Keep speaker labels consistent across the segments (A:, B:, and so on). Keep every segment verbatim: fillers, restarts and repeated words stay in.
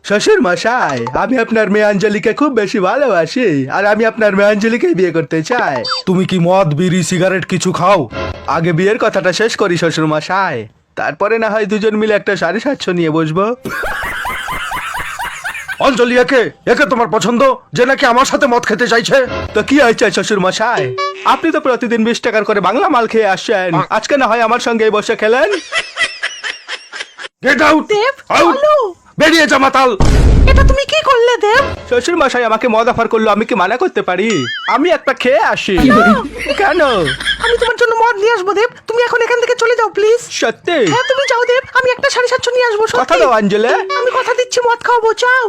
A: শ্বশুর মশাই, আমি আপনার মেয়ে অঞ্জলিকে খুব বেশি ভালোবাসি আর আমি আপনার মেয়ে অঞ্জলিকে বিয়ে করতে চাই। তুমি কি মদ বিড়ি সিগারেট কিছু খাও? আগে বিয়ের কথাটা শেষ করি শ্বশুর মশাই, তারপরে না হয় দুজন মিলে একটা সাড়ে সাতশো নিয়ে বসবো। অঞ্জলি একে একে তোমার পছন্দ, যে নাকি আমার সাথে মদ খেতে চাইছে? তো কি হয়েছে শ্বশুর মশাই, আপনি তো প্রতিদিন বিশ টাকার করে বাংলা মাল খেয়ে আসছেন, আজকে না হয় আমার সঙ্গে বসে খেলেন। গেট আউট
B: দেব,
A: আউট,
B: চলো।
A: বেরিয়ে যা মাতাল।
B: এটা তুমি কি করলে দেব?
A: শ্বশুর মশাই আমাকে মদ অফার করলো, আমি কি মানা করতে পারি? আমি একটা খেয়ে আসি। কেন?
B: আমি তোমার জন্য মদ নিয়ে আসবো দেব, তুমি এখন এখান থেকে চলে যাও প্লিজ।
A: সত্যি?
B: হ্যাঁ তুমি যাও দেব, আমি একটা সাড়ে সাতশো নিয়ে আসবো।
A: কথা
B: সত্যি
A: দাও অঞ্জলি।
B: আমি কথা দিচ্ছি মদ খাওয়াবো, যাও।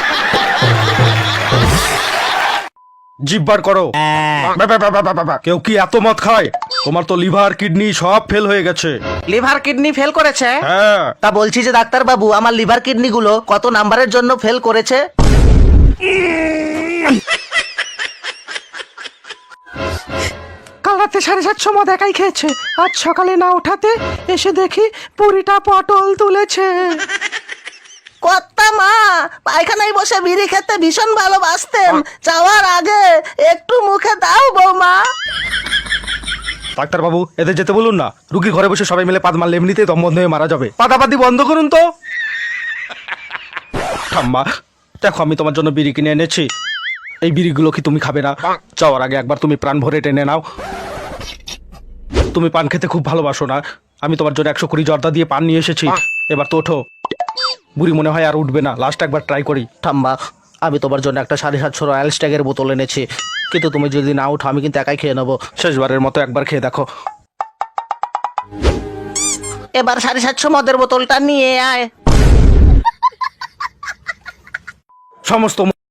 A: জিব্বার করো। বা, বা, বা, বা, বা, বা। কেউ কি এত মদ খায়? তোমার তো লিভার কিডনি সব ফেল হয়ে গেছে।
B: লিভার কিডনি ফেল করেছে?
A: হ্যাঁ।
B: তা বলছি যে ডাক্তার বাবু, আমার লিভার কিডনি গুলো কত নাম্বারের জন্য ফেল করেছে? কাল রাতে সাড়ে সাতশো মদ একাই খেয়েছে, আজ সকালে না ওঠাতে এসে দেখি পুরিটা পটল তুলেছে। কর্তা মা পায়খানায় বসে বিড়ি খেতে ভীষণ ভালোবাসতেন, যাওয়ার আগে একটু মুখে দাও বৌমা।
A: ডাক্তার বাবু এদের যেতে বলুন না, রুগী ঘরে বসে সবাই মিলে পাদ মারলে এমনিতেই দম বন্ধ হয়ে মারা যাবে। পাদাপাদি বন্ধ করুন তো। ঠাম্মা দেখো, আমি তোমার জন্য বিড়ি কিনে এনেছি, এই বিড়িগুলো কি তুমি খাবে না? যাওয়ার আগে একবার তুমি প্রাণ ভরে টেনে নাও। তুমি পান খেতে খুব ভালোবাসো না? আমি তোমার জন্য একশো কুড়ি জর্দা দিয়ে পান নিয়ে এসেছি, এবার তো ওঠো। বুড়ি মনে হয় আর উঠবে না, লাস্ট একবার ট্রাই করি।
B: ঠাম্মা আমি তোমার জন্য একটা সাড়ে সাতশো রয়্যাল স্ট্যাগের বোতল এনেছি, কিন্তু তুমি যদি না উঠো আমি কিন্তু একাই খেয়ে নেবো।
A: শেষবারের মতো একবার খেয়ে দেখো।
B: এবার সাড়ে সাতশো মদের বোতলটা নিয়ে আয়।
A: সমস্ত